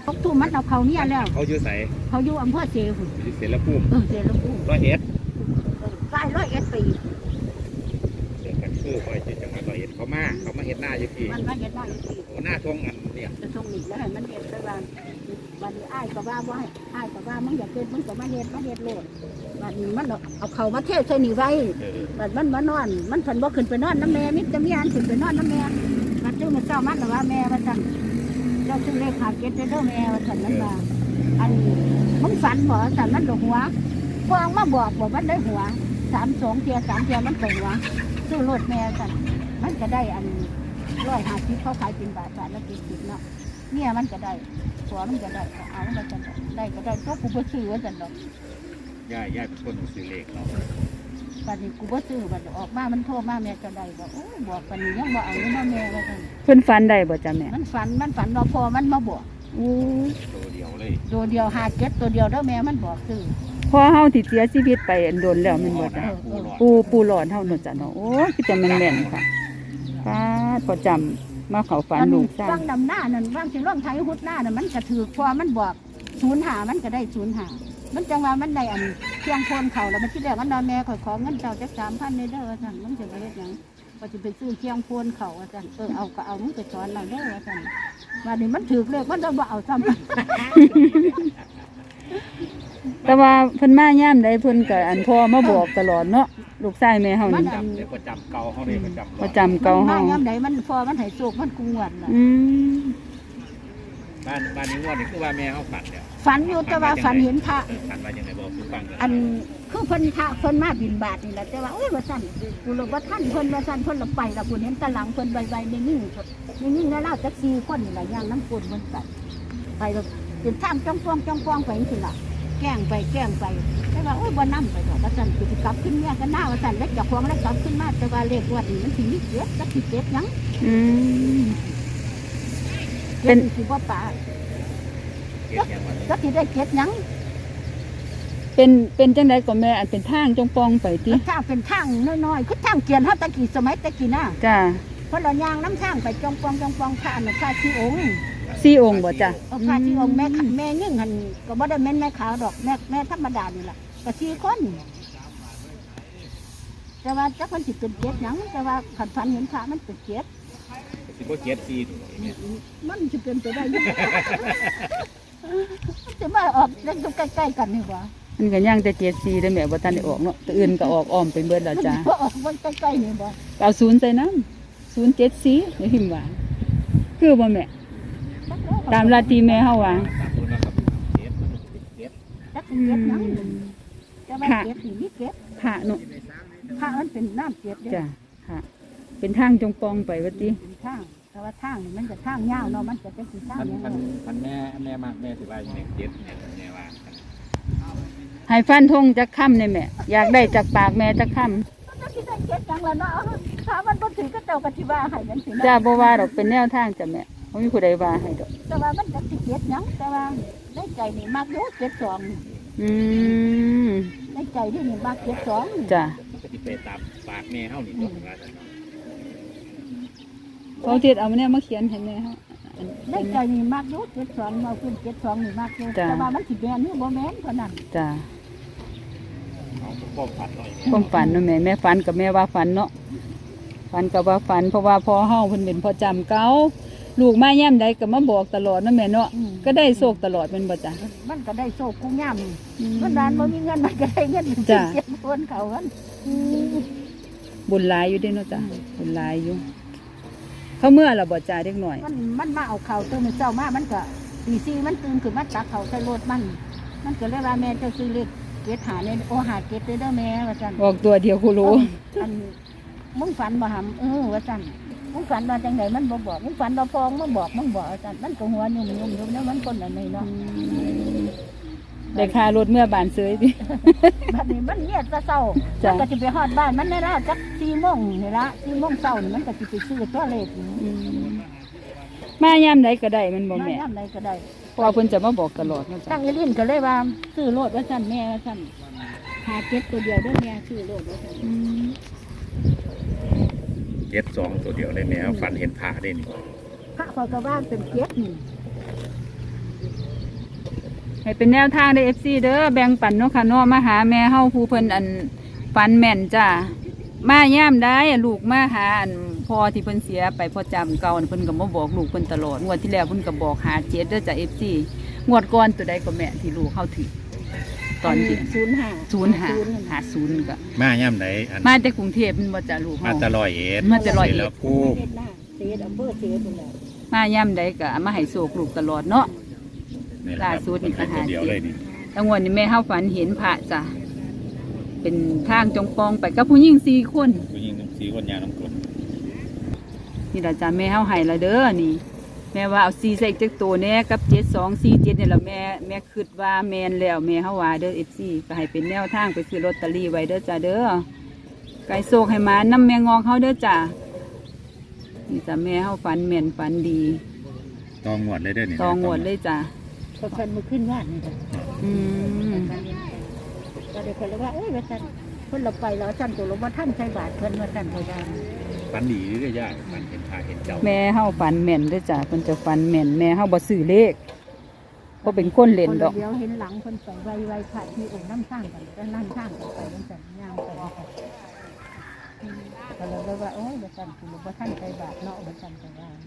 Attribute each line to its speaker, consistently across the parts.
Speaker 1: พกทุ่มมันเอาเขาเนี่ยแล้ว
Speaker 2: เขาอยู่ใส่
Speaker 1: เขาอยู่อำเภอเชียง
Speaker 2: อยู่เสรภูมิ
Speaker 1: เชียงภูมิ
Speaker 2: 101
Speaker 1: ใกล้101ปี
Speaker 2: เดินกันคือคอยที่จังหวัด101เขามาเฮ็ดหน้าอยู่พี่
Speaker 1: มันมาเฮ็ดหน้าอยู่พี่
Speaker 2: โอ้หน้าทงอันเนี่ย
Speaker 1: จะทงนี่แล้วให้มันเฮ็ดได้ว่าวันนี้อ้ายก็ว่าอ้ายก็ว่ามึงอยากเฮ็ดมึงก็มาเฮ็ดโลดวันนี้มันเอาเขามาเทใส่นี่ไว้บัดมันมานอนมันเพิ่นบ่ขึ้นไปนอนน้ำแม่มิตรมีอันขึ้นไปนอนน้ำแม่บัดเจ้ามื้อเช้ามันว่าแม่ว่าซั่นเจ้าซื้อเลขขาเก็ตเด้อแม่ว่าซั่นมันว่าอันมึงฝันบ่ซั่นมันดอกหัวฟองมาบอกมันได้หัว3 2 เที่ย3เที่ยมันไปหัวซื้อรถแม่ซั่นมันก็ได้อัน150เขาขายเป็นบาทละ70เนาะเนี่ยมันก็ได้หัวมันก็ได้เอามันก็ได้ก็ได้ตัวกูบ่ซื้อว่าซั่นดอก
Speaker 2: ย่าเป็นคนซื้อเลขเนาะ
Speaker 1: บัดนี้กูบ่ซื้อบัดออกมามันโทรมาแม่ก็ได้บอกโอ้ยบอกปานนี้ยังบ่เอาเงินมาแม่ว่าซั่น
Speaker 3: เพิ่นฝันได้บ่จ้ะแม่
Speaker 1: มันฝันว่าพอมันมาบอก
Speaker 2: ตัวเดียวเลย
Speaker 1: ตัวเดียว57ตัวเดียวเด้อแม่มันบอกซื้อ
Speaker 3: พอเฮาที่เสียชีวิตไปโดนแล้วแม่นบ่จ้ะปูหลอดเฮาเนาะจ้ะเนาะโอ้คือจะแม่นๆค่ะพอจำมาเข้าฝันลูกซ่า
Speaker 1: ฟังนำหน้านั่นฟังสิร่องไทยฮุดหน้านั่นมันก็ถูกพอมันบอก05มันก็ได้05มันจังว่ามันได้อันเพียงโคนเขาแล้วมันที่แรกมันนอนแม่ขอเงินเจ้าจัก 3,000เด้อว่าซั่นมันจะไปเฮ็ดหยังก็สิไปซื้อเพียงโคนเขาว่าซั่นเอาก็เอามึงไปสอนเราเด้อว่าซั่นว่านี่มันถูกเลขมันบ่เอาซ้ำ
Speaker 3: แต่ว่าเพิ่นมายามใดเพิ่นก็อันพ่อมาบอกตลอดเนาะลูกชายแม่เฮานี่
Speaker 2: ประจำเก่าเฮานี่
Speaker 3: ประจำเก่าเฮาม
Speaker 1: ายามใดมันพอมันให้โชคมันกุงวดน่ะ
Speaker 2: บ้านนี้งวดนี่คือว่าแม่เฮาฝันแล้ว
Speaker 1: ฝันอยู่แต่ว่าฝันเห็นพระ
Speaker 2: ฝันว่าจังได๋บอกคือฟัง
Speaker 1: อันคือเพิ่นพระเพิ่นมาบิณฑบาตนี่แหละแต่ว่าโอ้ยว่าซั่นกูรู้ว่าท่านเพิ่นว่าซั่นเพิ่นละไปละกูเห็นตะหลังเพิ่นไวๆนิ่งแล้วเราจัก4คนนี่ล่ะย่างน้ำปุ่นมันไปแล้วเป็นทางจ้องป้องไปจังซี่ล่ะแกล้งไปแต่ว่าโอ้ยบ่นำไปดอกว่าซั่นสิกลับขึ้นเนี่ยกันหน้าว่าซั่นแล้วเจ้าของแล้วกลับขึ้นมาแต่ว่าเลขงวดนี้มันสิมีเจ็ดจักสิเจ็ดหยังเป็นสิบ่ปาจักสิได้เจ็ดหยัง
Speaker 3: เป็นจังได๋ก็แม่อันเป็นทางจงปองไปติ
Speaker 1: ทางเป็นทางน้อยๆคือทางเกียนเฮาตะกี้สมัยตะกี้น่ะ
Speaker 3: จ้า
Speaker 1: เพราะเราย่างน้ำทางไปจงปองพระน่ะพระที่องค์
Speaker 3: องค์บ่จ้ะ
Speaker 1: พระที่องค์แม่ยิ่งหั่นก็บ่ได้แม่นแม่ขาวดอกแม่ธรรมดานี่ล่ะก็4คนแต่ว่าจักเพิ่นสิเป็นเจ็ดหยังแต่ว่าคันฝันเห็นพระมันเป็นเจ็ด
Speaker 2: สิบ่เจ็ด4ตัวนี่
Speaker 1: มันสิเป็นไปได้ยังจะมาออกเล่นอยู่ใกล้ๆกันนี่บ่
Speaker 3: มันก็ย่างแต่74ได้แม่บ่ทันได้ออกเนาะตัวอื่นก็ออกอ้อมไปเบิดแล้วจ้ะ
Speaker 1: บ่ออกมันใกล้ๆนี่บ่
Speaker 3: เอา0ใส่นำ074นี่พิมพ์ว่าคือบ่แม่ตามลัทธิแม่เฮาว่า
Speaker 1: จักเจ็ดหยังจะว่าเจ็ดนี่มีเจ็ด
Speaker 3: พระเนาะ
Speaker 1: พระมันเป็นน้ำเจ็ดเด้
Speaker 3: จ้ะค่ะเป็นทางจงปองไปว่าติ
Speaker 1: เป็นทางแต่ว่าทางมันจะทางยาวเนาะมันจะเป็นทางยาว
Speaker 2: พันแม่มากแม่สิว่าอย่างเจ็ดเนี่ยแม่ว่า
Speaker 3: ให้ฟันธงจักค่ำนี่แม่อยากได้จากปากแม่จักค่
Speaker 1: ำจักสิได้เจ็ดจังล่ะเนาะถ้ามันบ่ถือก็เจ้าก็สิว่าให้มันสิ
Speaker 3: จ้าบ่ว่าดอกเป็นแนวทางจ้ะแม่บ่มีผู้ใดว่าให้ดอก
Speaker 1: แต่ว่ามันจะสิเจ็ดหยังแต่ว่าในใจนี่มักอยู่72ในใจที่นี่มัก72
Speaker 3: จ้ะ
Speaker 2: ก็สิไปตามปากแม่เฮานี่บ่ว่าซั่นเนาะ
Speaker 3: เขาเฮ็ดเอาเนี่ยมาเขียนให้แม่เฮา
Speaker 1: ในใจนี่มักอยู่72เอาขึ้น72นี่มักอยู่แต่ว่ามันสิแม่นหรือบ่แม่นเท่านั้น
Speaker 3: จ้ะ
Speaker 2: ความ
Speaker 3: ฝันเนาะแม่ฝันกับแม่ว่าฝันเนาะฝันกับว่าฝันเพราะว่าพ่อเฮาเพิ่นเป็นพ่อจำเก่าลูกมาย่ำใดก็มาบอกตลอดเนาะแม่เนาะก็ได้โชคตลอดเป็นบ่จ้ะ
Speaker 1: มันก็ได้โชคกูย่ำมันดานบ่มีเงินมันก็ได้เงิน
Speaker 3: จ้ะ
Speaker 1: เก็บคนเขากัน
Speaker 3: บุญหลายอยู่เด้เนาะจ้ะบุญหลายอยู่เขาเมื่อล่ะบ่จ้ะเด็กน้อย
Speaker 1: มันมาเอาเขาตื่นเช้ามามันก็ตี4มันตื่นขึ้นมาตักเขาใส่รถมันก็เลยว่าแม่เจ้าซื้อเลขเกตหาเนี่ยโอหาเกตเด้อแม่ว่าซั่น
Speaker 3: บอกตัวเดียวกูรู้
Speaker 1: อันมึงฝันบ่หำว่าซั่นมึงฝันว่าจังไดมันบ่บอกมึงฝันว่าพองมึงบอกว่าซั่นมันก็หัวยุ่มแล้วมันคนอันนี้เนาะ
Speaker 3: ได้ค่ารถเมื่อบานเสยติ
Speaker 1: บัดนี้มันเนี่ยจะเช้ามันก็สิไปฮอดบ้านมันได้แล้วจัก4:00 นนี่ละ4:00 นเช้านี่มันก็สิไปซื้อตัวเลข
Speaker 3: มายามใดก็ได้มันบ่แม่
Speaker 1: ยามใดก็ได้
Speaker 3: เพราะเพิ่นจะมาบอกตลอดเนาะจ้ะ
Speaker 1: ตั้งอีลิ้นก็เลยว่าซื้อโลดว่าซั่นแม่ว่าซั่นหาเก็บตัวเดียวเด้อแม่ซื้อโลดว่าซั่น
Speaker 2: 72ตัวเดียวเลยแม่ฝันเห็นพระได้นี่
Speaker 1: พระเขาก็ว่าเป็นเจ็ดนี่
Speaker 3: ให้เป็นแนวทางได้ FC เด้อแบ่งปันเนาะค่ะเนาะมาหาแม่เฮาผู้เพิ่นอันฟันแม่นจ้ามาย่ามได้ลูกมาหาอันพ่อที่เพิ่นเสียไปพ่อจำเก่าเพิ่นก็มาบอกลูกเพิ่นตลอดงวดที่แล้วเพิ่นก็บอกหา7เด้อจ้ะ FC งวดก่อนตัวใดก็แม่ที่ลูกเข้าถึงตอนที่ 0550ก็
Speaker 2: มาย่ำไหนอัน
Speaker 3: มาแต่กรุงเทพฯมันบ่จ้ะลูก
Speaker 2: มา
Speaker 3: เฮา
Speaker 2: ตะลอยเอ็ด
Speaker 3: มาแต่ร้อยเอ็ด
Speaker 2: แล้วผู้
Speaker 1: เฮ็ดหน้าเสียอำเภอเสียพุ่นแหละ
Speaker 3: มาย่ามใดก็เอามาให้โศกลูกตลอดเนาะ
Speaker 2: นี่แหละครับ
Speaker 3: ล่าสุดนี่
Speaker 2: เป็นตัวเดียวเลยนี่
Speaker 3: แต่งวดนี้แม่เฮาฝันเห็นพระจ้ะเป็นทางจงปองไปกับผู้หญิง4คน
Speaker 2: ผู้หญิงสีคนยาน้ำกรด
Speaker 3: นี่ล่ะจ้ะแม่เฮาให้ละเด้อนี่ แม่ว่าเอา4ใส่อีกจักตัวแหน่กับ7247นี่ล่ะแม่คิดว่าแม่นแล้วแม่เฮาว่าเด้อ FC ก็ให้เป็นแนวทางไปซื้อลอตเตอรี่ไว้เด้อจ้ะเด้อไก่โศกให้มานำแม่งอกเฮาเด้อจ้ะนี่จ้ะแม่เฮาฝันแม่นฝันดี
Speaker 2: ตองงวดเลยเด้อนี่
Speaker 3: ตองวดเลยจ้ะ
Speaker 1: ก็เพิ่นมาขึ้นว่านนี่จ้ะ
Speaker 3: อืม
Speaker 1: ก็ได้เพิ่นเลยว่าเอ้ยว่าซั่นเพิ่นเราไปแล้วซั่นตัวเราบ่ทันใส่บาตรเพิ่นว่าซั่นเขาว่า
Speaker 2: ฝันดีเรื่อยๆย่าฝันเห็นพาเห็นเจ้า
Speaker 3: แม่เฮาฝันแม่นเด้อจ้ะเพิ่นจะฝันแม่นแม่เฮาบ่ซื้อเลขบ่เป็นคนเล่นดอก
Speaker 1: เดี๋ยวเห็นหลังเพิ่นไปไวๆพระที่องค์น้ำสร้างกันก็นั่นสร้างกันไปจังซั่นย่างไปก็เลยว่าโอ้ยว่าซั่นตัวเราบ่ทันใส่บาตรเนาะว่าซั่นเขาว่า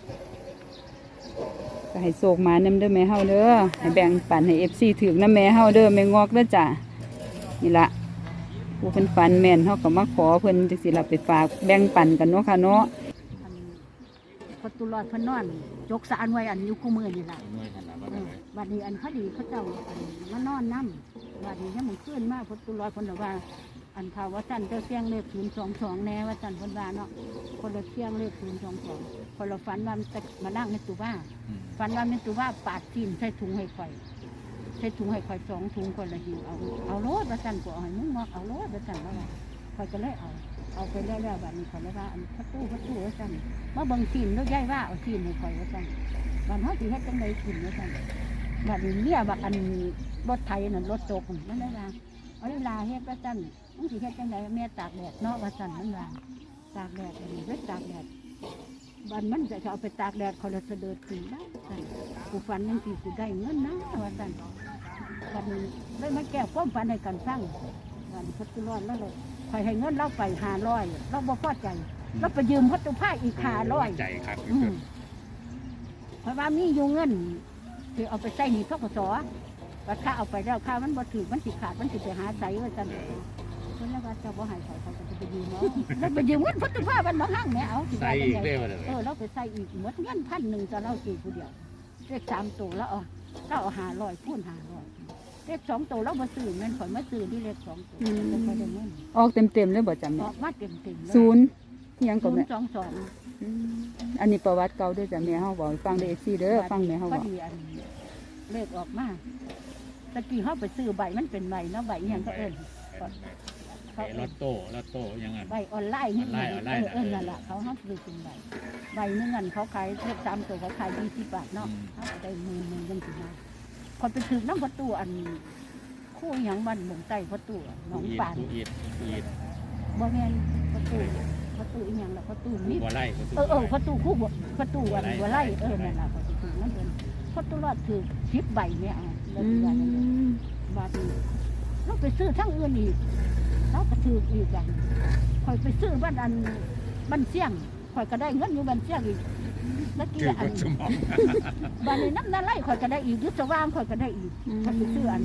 Speaker 3: ก็ให้โศกมานำเด้อแม่เฮาเด้อให้แบ่งปันให้ FC ถึกนำแม่เฮาเด้อแม่งอกเด้อจ้ะนี่ล่ะผู้เพิ่นฝันแม่นเฮาก็มาขอเพิ่นจังซี่ล่ะไปฝากแบ่งปันกันเนาะค่ะเนาะ
Speaker 1: อันพอตุลอดเพิ่นนอนจกสารไว้อันอยู่คู่มือนี่ล่ะ วันนี้อันเขาดีเขาเจ้าอันมานอนน้ำวันนี้ยังมันขึ้นมากพอตุลอยคนละว่า อันข่าวว่าจันเจ้าเสียงเลข022แน่ว่าจันคนว่าเนาะคนละเสียงเลข022คนละฝันว่ามันจะมานั่งในตู้ว่าฝันว่าในตู้ว่าปาดทิ่มใส่ถุงให้ข่อยใส่ถุงให้ข่อย2 ถุงคนละหิวเอาโลดว่าจันก็เอาให้มึงมอกเอาโลดว่าจันว่าข่อยก็เลยเอาไปแล้วๆแบบนี้ข่อยเลยว่าอันประตูว่าจันมาเบิ่งทิ่มแล้วย้ายว่าเอาทิ่มให้ข่อยว่าจันบ้านเฮาสิเฮ็ดจังได๋ทิ่มว่าจัน บัดนี้เรียบักอันรถไถนั่นรถตกนั่นได้ว่าเอาเวลาเฮ็ดว่าจันมึงสิเฮ็ดจังไดแม่ตากแดดเนาะว่าจันมันว่าตากแดดอันนี้เวทตากแดดบัดมันจะเอาไปตากแดดเขาเลยเสด็จถึงได้จันกูฝันยังสิกูได้เงินนะว่าจันบัดนี้เลยมาแก้ความฝันให้กันฟังวันพุทธร้อนแล้วเลยคอยให้เงินเราไป500เราบ่พอใจเราไปยืมพัตถุผ้าอีก500
Speaker 2: ใจครับ
Speaker 1: เพราะว่ามีอยู่เงินที่เอาไปใช้หนี้ทกศว่าค่าเอาไปแล้วค่ามันบ่ถือมันสิขาดมันสิไปหาใส่ว่าจันเพิ่นแล้วว่าเจ้าบ่ให้เขาก็จะไปยืมเนาะแล้วไปยืมเงินพุทธภาพมันบ่ห้างแม่เอาสิ
Speaker 2: ใส่อีกได้บ่เลย
Speaker 1: เราไปใส่อีกหมดเงิน1,000จะเราสิผู้เดียวเลข3ตัวแล้วเอา500คูณ500เลข2ตัวเราบ่ซื้อแม่นข่อยมาซื้อที่เลข2ตัวแล้วค่อยได้เงิน
Speaker 3: ออกเต็มๆเลยบ่จำ
Speaker 1: อ
Speaker 3: แม่
Speaker 1: อกมาเต็มๆเลย
Speaker 3: ศูนย์อิหยังก็แม่
Speaker 1: 022
Speaker 3: อันนี้ประวัติเก่าเด้อจ้ะแม่เฮาบอกให้ฟังเด้อ FC เด้อฟังแม่เฮา
Speaker 1: พ
Speaker 3: บ
Speaker 1: อ
Speaker 3: อก
Speaker 1: ดีอันเลขออกมาตะกี้เขาไปซื้อใบมันเป็นใบเนาะใบอหย่างก็เอิ้นเขา
Speaker 2: ลอตโต้ยังไง
Speaker 1: ใบออนไลน์นี่
Speaker 2: ออนไลน์
Speaker 1: นั่นแหละเขาห้ามซื้อเป็นใบหนึงเงินเขาขายเลข3ตัวเขาขาย20 บาทเนาะเขาก็ได้10,000กันสิมาคนไปถึงน้ำประตูอันคู่อหย่างบ้านหมองใต้ประตูหนองป่าน
Speaker 2: อีด
Speaker 1: บ่แม่นประตูอีหยังล่ะประตูนี่
Speaker 2: บัวไล่
Speaker 1: ประตูคู่ประตูอันหัวไล่นั่นล่ะประตูนั่นเป็นประตูรอดถือ10 ใบเนี่ยเอาแล้วสิว่าจังได๋ บาทนี้เราไปซื้อทั้งอื่นอีกเราก็ถืออีกอย่างคอยไปซื้อบ้านเสี่ยงคอยก็ได้เงินอยู่บ้านเสี่ยงอีกแล้วกี่อันบ้านนี้น้ำนาไล่คอยก็ได้อีกยุทธว่างคอยก็ได้อีกคอยไปซื้ออัน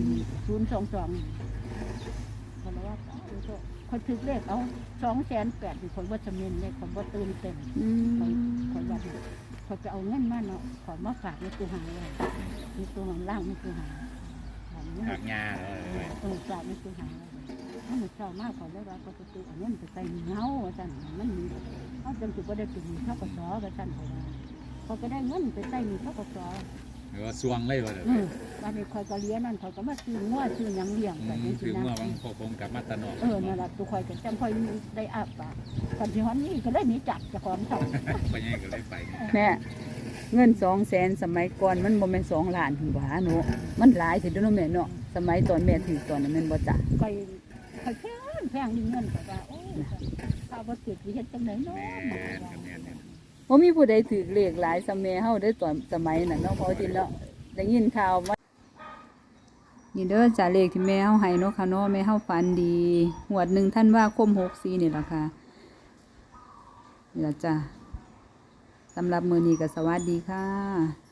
Speaker 1: 022คอยว่าคอยถือเลขเอา280,000คนว่าจะเมินเลขคนว่าตื่นเต้นคอยว่าคอยไปเอาเงินมาเนาะคอยมาฝากในตู้หางเลยในตู้หางล่างในตู้หาง
Speaker 2: หักงาเลย
Speaker 1: ฝากในตู้หางเลยถ้ามันเศร้ามากขอได้ว่าก็จะตู้เอาเงินไปใส่เงาจันมันมีเขาจำจุดก็ได้เป็นเท่ากับซอกับจันเขาก็ได้เงินไปใส่มีเท่ากับซอ
Speaker 2: หรือว่าซวงเลยบ่เลย
Speaker 1: วันนี้คอยก็เลี้ยนั่นคอยก็มาซื้อง้อซื้อยังเลี้ยงแต่จริ
Speaker 2: ถือง
Speaker 1: ๆ
Speaker 2: เมื่อ
Speaker 1: นะ
Speaker 2: วังพกผมกับมาตะนอก
Speaker 1: นั่นแหละตัวคอยก็จำคอยได้อาบปากก่อนที่ฮอนนี่ก็ได้หนีจับจะของเขา
Speaker 2: ไปยังก็เลยไป
Speaker 3: แม่เงิน200,000สมัยก่อนมันบ่แม่น2ล้านถึงว่าเนาะมันหลายสิเด้อเนาะแม่เนาะสมัยตอนแม่ถือตอนนั้นแม่นบ่จ้ะ
Speaker 1: คอยแพงนี่เงินก็ว่าโอ้ข้าวบ่ติดวิเฮ็ดจังไหนเนาะ
Speaker 3: บ่มีผู้ใดถือเลขหลายสมัยเฮาได้ตอนสมัยนั้นเนาะพอที่เนาะได้ยินข่าวว่านี่เด้อจ้าเลขที่แม่เฮาให้เนาะค่ะเนาะแม่เฮาฝันดีหวด1ธันวาคม64นี่ล่ะค่ะนี่ล่ะจ้าสำหรับมื้อนี้ก็สวัสดีค่ะ